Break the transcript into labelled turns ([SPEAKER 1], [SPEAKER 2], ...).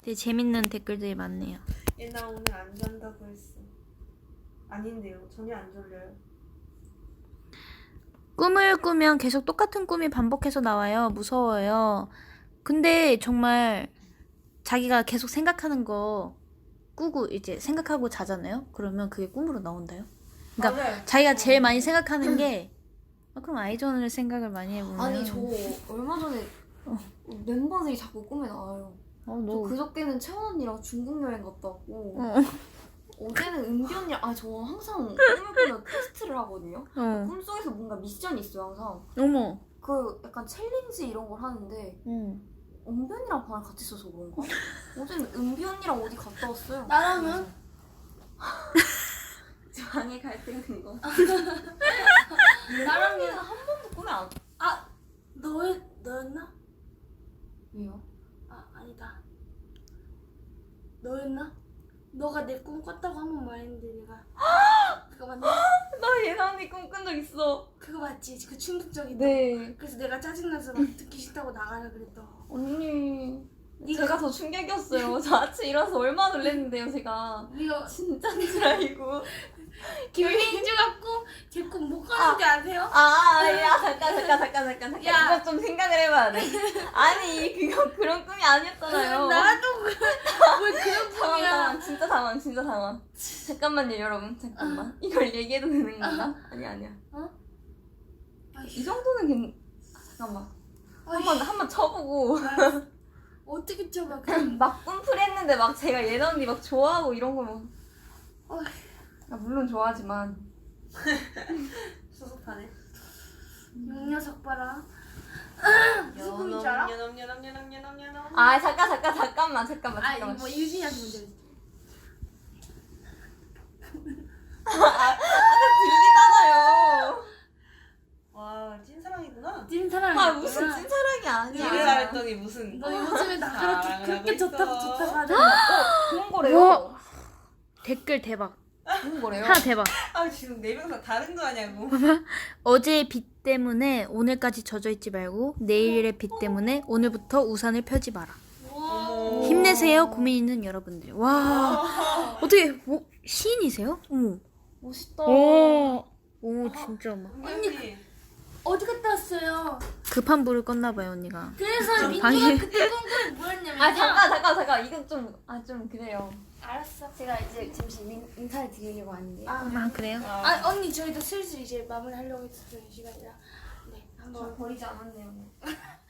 [SPEAKER 1] 되게 재밌는 댓글들이 많네요.
[SPEAKER 2] 나 오늘 안 잔다고 했어. 아닌데요. 전혀 안 졸려요.
[SPEAKER 1] 꿈을 꾸면 계속 똑같은 꿈이 반복해서 나와요. 무서워요. 근데 정말 자기가 계속 생각하는 거 꾸고 이제 생각하고 자잖아요. 그러면 그게 꿈으로 나온다요. 그러니까
[SPEAKER 2] 맞아요.
[SPEAKER 1] 자기가 제일 많이 생각하는 게 그럼 아이존을 생각을 많이 해보면
[SPEAKER 3] 아니 저 얼마 전에 멤버들이 자꾸 꿈에 나와요. 저
[SPEAKER 1] 너
[SPEAKER 3] 그저께는 채원 언니랑 중국 여행 갔다 왔고 어제는 은비 언니랑 저 항상 꿈을 꾸면 테스트를 하거든요. 꿈속에서 뭔가 미션이 있어요 항상.
[SPEAKER 1] 어머.
[SPEAKER 3] 그 약간 챌린지 이런 걸 하는데 은비 언니랑 방을 같이 써서 그런가? 어제는 은비 언니랑 어디 갔다 왔어요.
[SPEAKER 4] 나라면?
[SPEAKER 3] 방에 갈 때가 된 거.
[SPEAKER 4] 나라면
[SPEAKER 3] 한 번도 꿈에 안.
[SPEAKER 4] 너였나?
[SPEAKER 3] 왜요?
[SPEAKER 4] 아니다. 너였나? 너가 내 꿈 꿨다고 한 번 말했는데 내가 그거 맞나?
[SPEAKER 3] 나 예나 언니 꿈 꾼 적 있어.
[SPEAKER 4] 그거 맞지? 그 충격적이다.
[SPEAKER 3] 네.
[SPEAKER 4] 그래서 내가 짜증나서 막 듣기 싫다고 나가라 그랬다.
[SPEAKER 3] 언니.
[SPEAKER 4] 네가-
[SPEAKER 3] 제가 더 충격이었어요. 저 아침 일어나서 얼마나 놀랐는데요, 제가.
[SPEAKER 4] 네가
[SPEAKER 3] 진짜인 줄 알고.
[SPEAKER 4] 김민주 갖고 제 꿈 못 가는지 아세요?
[SPEAKER 3] 야, 잠깐.
[SPEAKER 4] 야.
[SPEAKER 3] 이거 좀 생각을 해봐야 돼. 아니, 그런 꿈이 아니었잖아요.
[SPEAKER 4] 나도 왜 그런 꿈이야?
[SPEAKER 3] 진짜 당황. 잠깐만요, 여러분. 잠깐만. 이걸 얘기해도 되는 건가? 아니야. 이 정도는 잠깐만. 한번 쳐보고.
[SPEAKER 4] 어떻게 쳐봐?
[SPEAKER 3] 막 꿈풀했는데 막 제가 예나 언니 막 좋아하고 이런 거 뭐. 물론 좋아하지만.
[SPEAKER 2] 수습하네.
[SPEAKER 4] 이 녀석 봐라. 무슨 꿈인 줄 알아?
[SPEAKER 2] 연엄.
[SPEAKER 3] 잠깐만.
[SPEAKER 4] 뭐 유진이한테 문제 있지.
[SPEAKER 3] 들리잖아요.
[SPEAKER 2] 와, 찐사랑이구나.
[SPEAKER 4] 찐사랑이야.
[SPEAKER 3] 무슨 찐사랑이 아니야.
[SPEAKER 2] 일을 잘했더니 무슨.
[SPEAKER 4] 너 요즘에 나
[SPEAKER 2] 사랑을
[SPEAKER 4] 그렇게
[SPEAKER 2] 하고
[SPEAKER 4] 좋다고
[SPEAKER 2] 있어.
[SPEAKER 4] 하잖아.
[SPEAKER 3] 좋은 거래요.
[SPEAKER 1] 와. 댓글 대박.
[SPEAKER 3] 좋은 거래요.
[SPEAKER 1] 하나 대박.
[SPEAKER 2] 지금 네 명 다 다른 거 아냐고.
[SPEAKER 1] 어제의 비 때문에 오늘까지 젖어 있지 말고 내일의 비 때문에 오늘부터 우산을 펴지 마라.
[SPEAKER 2] 어머.
[SPEAKER 1] 힘내세요, 고민 있는 여러분들. 와, 어떻게 시인이세요? 어머.
[SPEAKER 3] 멋있다.
[SPEAKER 1] 오, 진짜 막
[SPEAKER 2] 언니.
[SPEAKER 4] 어디 갔다 왔어요?
[SPEAKER 1] 급한 불을 껐나 봐요, 언니가.
[SPEAKER 4] 그래서 민주가
[SPEAKER 1] 방에-
[SPEAKER 4] 그때 꿈꾸이 뭐였냐면
[SPEAKER 3] 잠깐. 이건 좀 그래요.
[SPEAKER 4] 알았어.
[SPEAKER 3] 제가 이제 잠시 인사를 드리려고 하는데.
[SPEAKER 1] 아, 그래요?
[SPEAKER 4] 언니 저희도 슬슬 이제 마무리하려고 했어요 시간이라. 네, 한번
[SPEAKER 3] 버리지 않았네요.